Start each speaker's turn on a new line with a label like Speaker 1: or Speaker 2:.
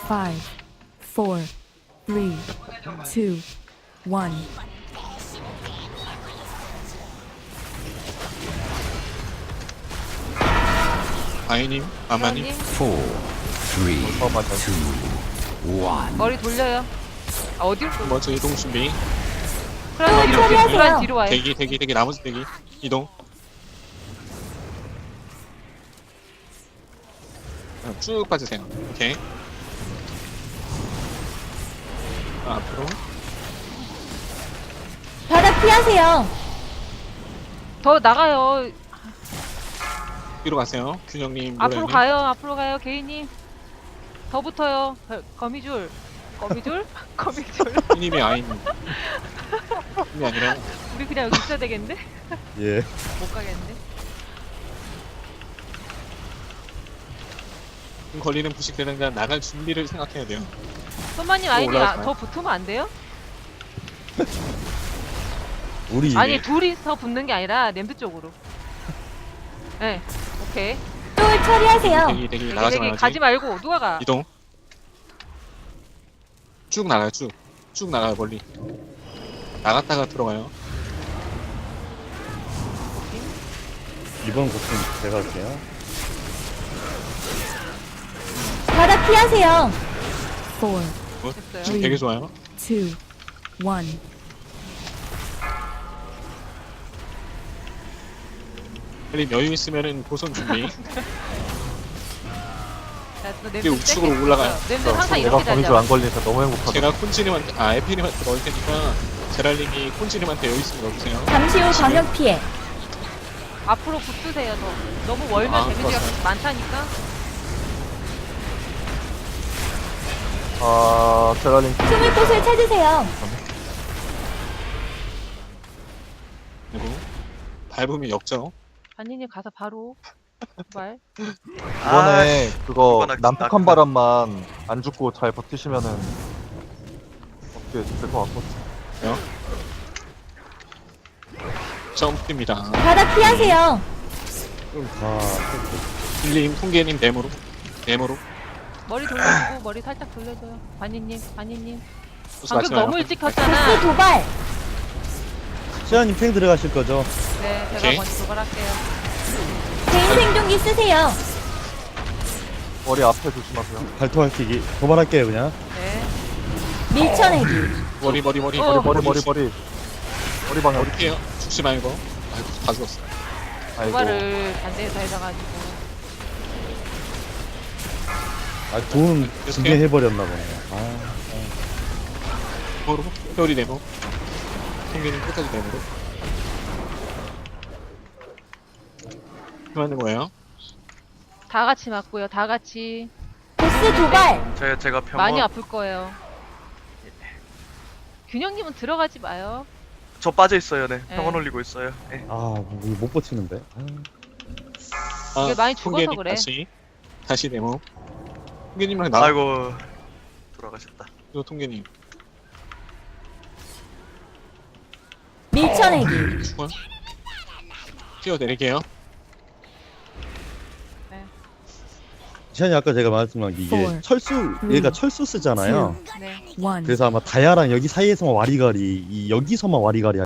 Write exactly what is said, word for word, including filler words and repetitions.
Speaker 1: five, four, three, two, one.
Speaker 2: 아이님, 아마님,
Speaker 3: 회원님,
Speaker 4: four, three, two, one.
Speaker 3: 머리 돌려요. 아, 어디로 돌려?
Speaker 2: 먼저 이동 준비.
Speaker 3: 그럼 뒤로, 뒤로, 뒤로, 뒤로 와요.
Speaker 2: 대기, 대기, 대기, 나머지 대기. 이동. 어, 쭉 빠지세요. 오케이. 아, 앞으로.
Speaker 5: 바닥 피하세요.
Speaker 3: 더 나가요.
Speaker 2: 뒤로 가세요. 균형님,
Speaker 3: 앞으로
Speaker 2: 노래님.
Speaker 3: 가요. 앞으로 가요. 개인님. 더 붙어요. 거- 거미줄. 거미줄? 거미줄.
Speaker 2: 님이 아이님. 님이 아니라.
Speaker 3: 우리 그냥 여기 있어야 되겠는데?
Speaker 6: 예.
Speaker 3: 못 가겠는데?
Speaker 2: 지금 걸리는 부식되는 건 나갈 준비를 생각해야 돼요.
Speaker 3: 손마님 아이님 아,
Speaker 2: 올라가지
Speaker 3: 더 붙으면 안 돼요?
Speaker 6: 우리
Speaker 3: 아니 둘이서 붙는 게 아니라 냄새 쪽으로. 네. 오케이.
Speaker 5: 똥을 처리하세요.
Speaker 2: 대기, 대기,
Speaker 3: 여기
Speaker 2: 나가지
Speaker 3: 여기
Speaker 2: 말아야지.
Speaker 3: 가지 말고 누가 가?
Speaker 2: 이동. 쭉 나가요, 쭉. 쭉 나가요, 멀리. 나갔다가 들어가요.
Speaker 6: 이번 고충 제가 할게요.
Speaker 5: 바닥 피하세요.
Speaker 1: Four,
Speaker 2: 어?
Speaker 3: 됐어요.
Speaker 2: 지금 되게 좋아요.
Speaker 1: two, one.
Speaker 2: 빨리 여유 있으면은 보선 준비.
Speaker 3: 자, 또
Speaker 2: 이게
Speaker 3: 냄새
Speaker 2: 우측으로
Speaker 3: 세게
Speaker 2: 올라가요.
Speaker 3: 붙어요. 냄새 항상
Speaker 6: 내가
Speaker 3: 이렇게
Speaker 6: 거미줄
Speaker 3: 달려.
Speaker 6: 안 걸리니까 너무 행복하다.
Speaker 2: 제가 콘치님한테, 아, 에피님한테 넣을 테니까, 제랄님이 콘치님한테 여유 있으면 넣어주세요.
Speaker 5: 잠시 후 광역 피해.
Speaker 3: 앞으로 붙으세요. 더. 너무 멀면
Speaker 2: 아,
Speaker 3: 데미지가
Speaker 2: 좋았어요.
Speaker 3: 많다니까.
Speaker 6: 아, 제라님.
Speaker 5: 숨을 곳을 찾으세요.
Speaker 2: 그리고, 밟으면 역적.
Speaker 3: 반니님 가서 바로 말.
Speaker 6: 이번에 그거
Speaker 7: 이번에
Speaker 6: 남북한
Speaker 7: 나-
Speaker 6: 바람만 안 죽고 잘 버티시면은 어떻게 될 것 같거든요.
Speaker 2: 점프입니다.
Speaker 5: 바닥 피하세요.
Speaker 6: 아,
Speaker 2: 빌림, 통계님, 네모로. 네모로.
Speaker 3: 머리 돌려주고 머리 살짝 돌려줘요. 반니님, 반니님.
Speaker 2: 소스
Speaker 3: 방금
Speaker 2: 맞지 마요.
Speaker 3: 너무 일찍
Speaker 5: 보스
Speaker 3: 켰잖아.
Speaker 5: 도발.
Speaker 6: 시아님 팽 들어가실 거죠?
Speaker 3: 네, 제가
Speaker 2: 오케이.
Speaker 3: 먼저 도발할게요.
Speaker 5: 개인 생존기 쓰세요.
Speaker 6: 머리 앞에 조심하세요. 발톱할기기 도발할게요 그냥.
Speaker 3: 네.
Speaker 5: 밀쳐내기.
Speaker 2: 머리, 머리, 머리,
Speaker 3: 어.
Speaker 2: 머리,
Speaker 6: 머리 머리 머리 머리 방향.
Speaker 2: 머리 피해요. 죽지 말고. 아이고, 다 죽었어.
Speaker 6: 아이고.
Speaker 3: 도발을 반대에서 해줘가지고.
Speaker 6: 아, 돈 징계 해버렸나 보네. 아,
Speaker 2: 네모로. 회오리 네모. 통계님 끝까지 네모로. 그만는 거예요.
Speaker 3: 다 같이 맞고요. 다 같이.
Speaker 5: 보스 도발.
Speaker 7: 제, 제가 평원
Speaker 3: 많이 아플 거예요. 균형님은 들어가지 마요.
Speaker 7: 저 빠져 있어요. 네.
Speaker 3: 네.
Speaker 7: 평원 올리고 있어요. 네.
Speaker 6: 아, 뭐 이거 못 버티는데. 아.
Speaker 2: 아,
Speaker 3: 이게 많이 죽어서
Speaker 2: 통계님
Speaker 3: 그래.
Speaker 2: 다시. 다시 네모. 통계님이랑 나.
Speaker 7: 아이고 돌아가셨다.
Speaker 2: 요 통계님.
Speaker 5: 밀쳐내기.
Speaker 2: 죽어. 뛰어내릴게요.
Speaker 6: 시아님 아까 제가 말씀한 게 이게
Speaker 1: Four,
Speaker 6: 철수
Speaker 1: three,
Speaker 6: 얘가 철수 쓰잖아요.
Speaker 3: 네.
Speaker 1: One.
Speaker 6: 그래서 아마 다야랑 여기 사이에서만 와리가리 이 여기서만 와리가리